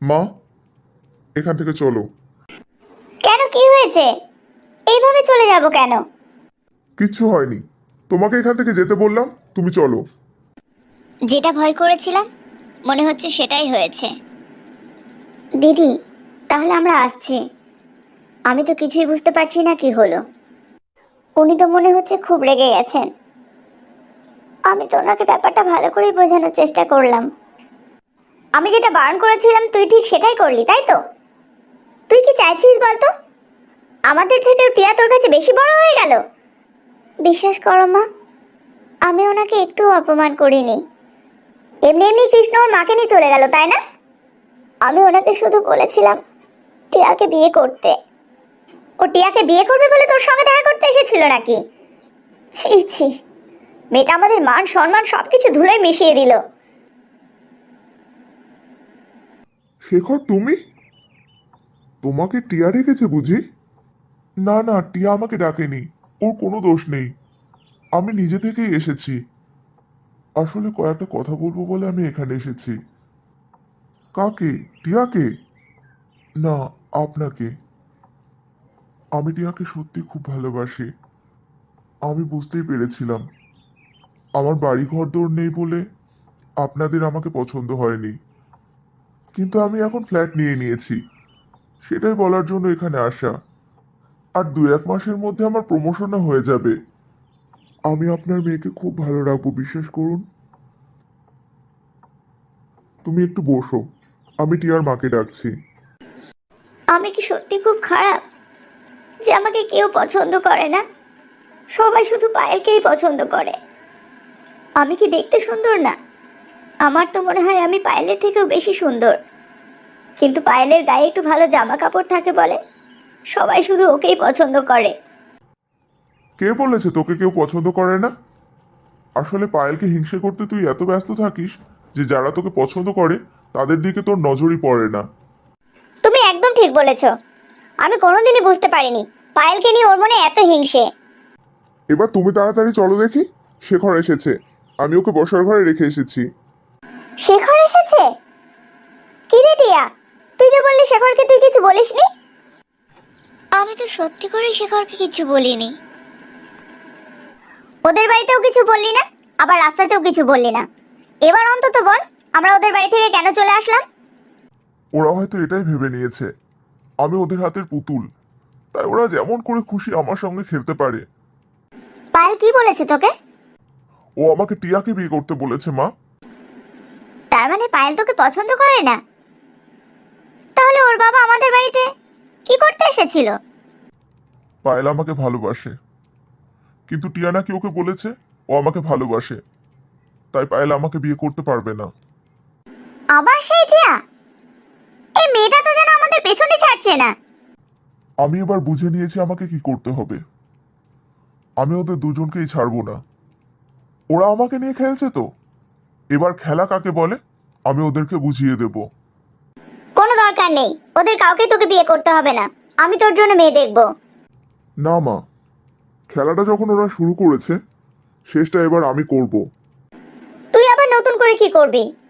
মা, এখান থেকে চলো। কেন, কি হয়েছে? এইভাবে চলে যাব কেন? কিচ্ছু হয়নি, তোমাকে এখান থেকে যেতে বললাম, তুমি চলো। যেটা ভয় করেছিলাম মনে হচ্ছে সেটাই হয়েছে। দিদি, তাহলে আমরা আসছি। আমি তো কিছুই বুঝতে পারছি না কি হলো। উনি তো মনে হচ্ছে খুব রেগে গেছেন। আমি তো ওনাকে ব্যাপারটা ভালো করেই বোঝানোর চেষ্টা করলাম। আমি যেটা বারণ করেছিলাম তুই ঠিক সেটাই করলি, তাই তো? তুই কি চাইছিস বলতো? আমাদের থেকেও টিয়া তোর কাছে বেশি বড় হয়ে গেল? বিশ্বাস করো মা, আমি ওনাকে একটু অপমান করিনি। এমনি এমনি কৃষ্ণ ওর মাকে নিয়ে চলে গেল, তাই না? আমি ওনাকে শুধু বলেছিলাম টিয়াকে বিয়ে করতে। ও টিয়াকে বিয়ে করবে বলে তোর সঙ্গে দেখা করতে এসেছিল নাকি? ছি ছি, মেয়েটা আমাদের মান সম্মান সবকিছু ধুলোয় মিশিয়ে দিল। শেখর, তুমি? তোমাকে টিয়া রেখেছে বুঝি? না না, টিয়া আমাকে ডাকেনি, ওর কোনো দোষ নেই, আমি নিজে থেকেই এসেছি। আসলে কয়েকটা কথা বলবো বলে আমি এখানে এসেছি। কাকে? টিয়াকে? না, আপনাকে। আমি টিয়াকে সত্যি খুব ভালোবাসি। আমি বুঝতেই পেরেছিলাম আমার বাড়ি ঘর দৌড় নেই বলে আপনাদের আমাকে পছন্দ হয়নি, কিন্তু আমি এখন ফ্ল্যাট নিয়ে নিয়েছি, সেটাই বলার জন্য এখানে আসা। আর 2-1 মাসের মধ্যে আমার প্রমোশনও হয়ে যাবে। আমি আপনার মেয়েকে খুব ভালো রাখবো, বিশ্বাস করুন। তুমি একটু বসো, আমি টিয়ার মাকে ডাকছি। আমি কি সত্যি খুব খারাপ যে আমাকে কেউ পছন্দ করে না? সবাই শুধু পায়েলকেই পছন্দ করে। আমি কি দেখতে সুন্দর না? আমার তো মনে হয় আমি পায়েলের থেকেও বেশি সুন্দর। কিন্তু পায়েলের গায়ে একটু ভালো জামা কাপড় থাকে বলে সবাই শুধু ওকেই পছন্দ করে। কে বলেছে তোকে কেউ পছন্দ করে না? আসলে পায়েলকে হিংসে করতে তুই এত ব্যস্ত থাকিস যে যারা তোকে পছন্দ করে তাদের দিকে তোর নজরই পড়ে না। তুমি একদম ঠিক বলেছো। আমি কোনোদিনই বুঝতে পারিনি পায়েলকে নিয়ে ওর মনে এত হিংসে। এবার তুমি তাড়াতাড়ি চলো দেখি, শেখর এসেছে, আমি ওকে বসার ঘরে রেখে এসেছি। শেখর এসেছে? কি রে টিয়া, তুই যে বললি শেখরকে তুই কিছু বলিসনি। আমি তো সত্যি করে শেখরকে কিছু বলিনি। ওদের বাড়িতেও কিছু বললি না, আবার রাস্তাতেও কিছু বললি না। এবার অন্তত বল আমরা ওদের বাড়ি থেকে কেন চলে আসলাম। ওরা হয়তো এটাই ভেবে নিয়েছে আমি ওদের হাতের পুতুল, তাই ওরা যেমন করে খুশি আমার সঙ্গে খেলতে পারে। পায়েল কি বলেছে তোকে? ও আমাকে টিয়াকে বিয়ে করতে বলেছে মা। তার মানে পায়েল তোকে পছন্দ করে না? তাহলে ওর বাবা আমাদের বাড়িতে কি করতে এসেছিল? পায়েল আমাকে ভালোবাসে, কিন্তু টিয়া নাকি ওকে বলেছে ও আমাকে ভালোবাসে, তাই পায়েল আমাকে বিয়ে করতে পারবে না। আবার সেই টিয়া? এই মেয়েটা তো যেন আমাদের পেছনে ছাড়ছে না। আমি এবার বুঝে নিয়েছি আমাকে কি করতে হবে। আমি ওদের দুজনকেই ছাড়বো না। ওরা আমাকে নিয়ে খেলছে তো, এবার খেলা কাকে বলে আমি ওদেরকে বুঝিয়ে দেব। কোনো দরকার নেই, ওদের কাউকে তোকে বিয়ে করতে হবে না। আমি তোর জন্য মেয়ে দেখবো। না মা, খেলাটা যখন ওরা শুরু করেছে শেষটা এবার আমি করব। তুই আবার নতুন করে কি করবি?